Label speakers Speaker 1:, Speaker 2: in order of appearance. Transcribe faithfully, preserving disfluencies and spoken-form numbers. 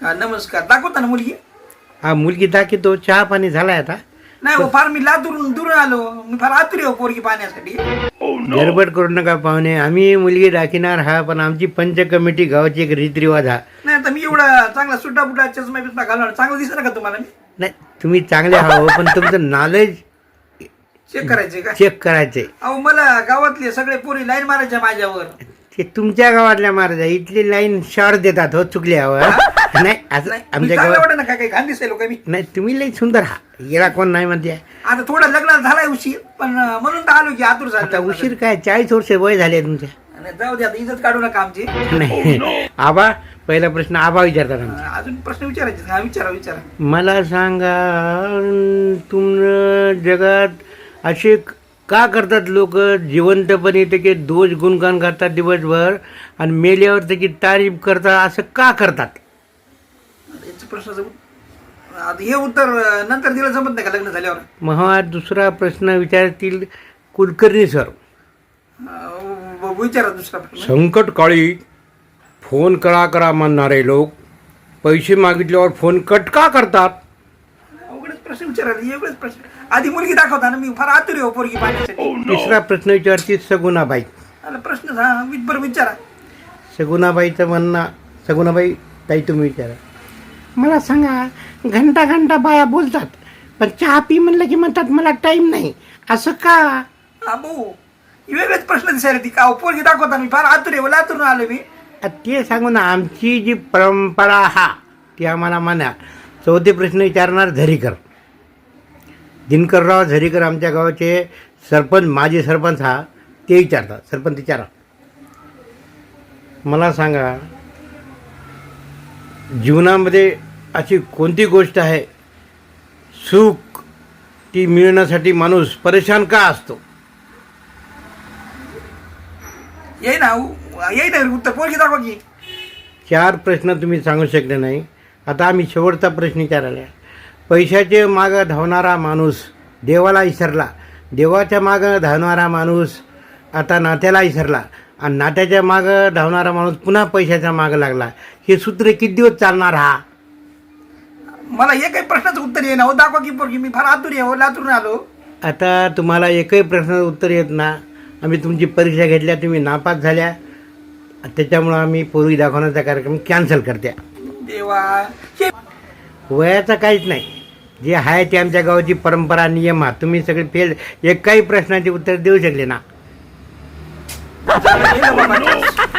Speaker 1: हा नमस्कार. दाखवता ना मुलगी?
Speaker 2: हा मुलगी दाखवतो. चहा पाणी झालाय आता?
Speaker 1: नाही हो, फार मी लातूरून दूर आलो, मी फार आतुरी हो पोरगी पाहण्यासाठी.
Speaker 2: गडबड करू नका पाहुणे, आम्ही मुलगी दाखिणार हा, पण आमची पंच कमिटी गावाची एक रीतरिवाज हा.
Speaker 1: नाही आता मी एवढा चांगला सुट्टा बुटा चष्मा बिस्मा घालून चांगलं दिसत का तुम्हाला? मी
Speaker 2: नाही तुम्ही चांगले आहो, पण तुमचं नॉलेज
Speaker 1: चेक करायचे का?
Speaker 2: चेक करायचे.
Speaker 1: अहो मला गावातले सगळे पोरी लाईन मारायच्या माझ्यावर.
Speaker 2: ते तुमच्या गावातल्या महाराजा इथली लाईन शॉर्ट देतात हो, चुकले हवं. नाही असं आमच्या गावात
Speaker 1: वाटत ना काय घाण दिसेल का मी?
Speaker 2: नाही, तुम्ही लई सुंदर हा, गेला कोण नाही म्हणते.
Speaker 1: आता थोडा लग्नाला झालाय उशीर, पण म्हणून तर आलो की आतुर
Speaker 2: आता
Speaker 1: झाला.
Speaker 2: उशीर काय, चाळीस वर्ष वय झाले तुमच्या.
Speaker 1: जाऊ दे, आता इज्जत काढू नका आमची.
Speaker 2: नाही आबा, पहिला प्रश्न आबा विचारतात आमचा.
Speaker 1: अजून प्रश्न विचारायचे? हा विचारा विचारा.
Speaker 2: मला सांगा, तुम जगात असे का करतात लोक जिवंतपणे त्याचे दोष गुणगान करतात दिवसभर आणि मेल्यावर त्याची तारीफ करतात, असं का करतात?
Speaker 1: याचं प्रश्नाचं उत- आता हे उत्तर नंतर दिलं जमत नाही का लग्न झाल्यावर?
Speaker 2: मग हा दुसरा प्रश्न विचारतील कुलकर्णी सर.
Speaker 1: अं, विचारा दुसरा प्रश्न.
Speaker 2: संकटकाळी फोन करा करा म्हणणारे लोक पैसे मागितल्यावर फोन कट का करतात?
Speaker 1: अवघडच प्रश्न विचारा, एवढेच प्रश्न. आधी मुलगी दाखवता ना, मी फार आतुरी हो पोरगी पाहण्यासाठी.
Speaker 2: तिसरा प्रश्न विचारतील सगुणाबाई.
Speaker 1: आला प्रश्न हा वि- बरं विचारा.
Speaker 2: सगुणाबाईचं म्हणणं, सगुणाबाई ताई तुम्ही विचारा. मला सांगा, घंटा घंटा बाया बोलतात, पण चहा पी म्हणलं की म्हणतात मला टाईम नाही, असं का?
Speaker 1: अबो वेगळेच प्रश्न दिसायला ती का पोरगी दाखवता, मी फार आतुरी हो, लातूरून आलो मी.
Speaker 2: आ, ते सांगू ना, आमची जी परंपरा हा ती आम्हाला म्हणा. चौथे प्रश्न विचारणार झरीकर. दिनकरराव झरीकर आमच्या गावाचे सरपंच, माजी सरपंच हा, ते विचारतात. सरपंच विचारा. मला सांगा, जीवनामध्ये अशी कोणती गोष्ट आहे सुख ती मिळण्यासाठी माणूस परेशान का असतो?
Speaker 1: येई ना येई ना उत्तर, पोरगी दाखवा की.
Speaker 2: चार प्रश्न तुम्ही सांगू शकले नाही. आता आम्ही शेवटचा प्रश्न विचारायला. पैशाचे मागं धावणारा माणूस देवाला विसरला, देवाच्या मागं धावणारा माणूस आता नात्याला विसरला, आणि नात्याच्या मागं धावणारा माणूस पुन्हा पैशाच्या मागं लागला. हे सूत्र किती दिवस चालणार हा?
Speaker 1: मला एकही प्रश्नाचं उत्तर येईना हो, दाखवा की पोरगी, मी फार आतुरी हो, लातूरून आलो.
Speaker 2: आता तुम्हाला एकही प्रश्नाचं उत्तर येत ना. आम्ही तुमची परीक्षा घेतल्या, तुम्ही नापास झाल्या, त्याच्यामुळं आम्ही पोरगी दाखवण्याचा कार्यक्रम कॅन्सल करत्या.
Speaker 1: देवा हे
Speaker 2: वयाचं काहीच नाही, जे आहे ते आमच्या गावाची परंपरा नियम हा. तुम्ही सगळे फेल, एक काही प्रश्नाचे उत्तर देऊ शकले ना.
Speaker 1: झालं, गेलं बाबा.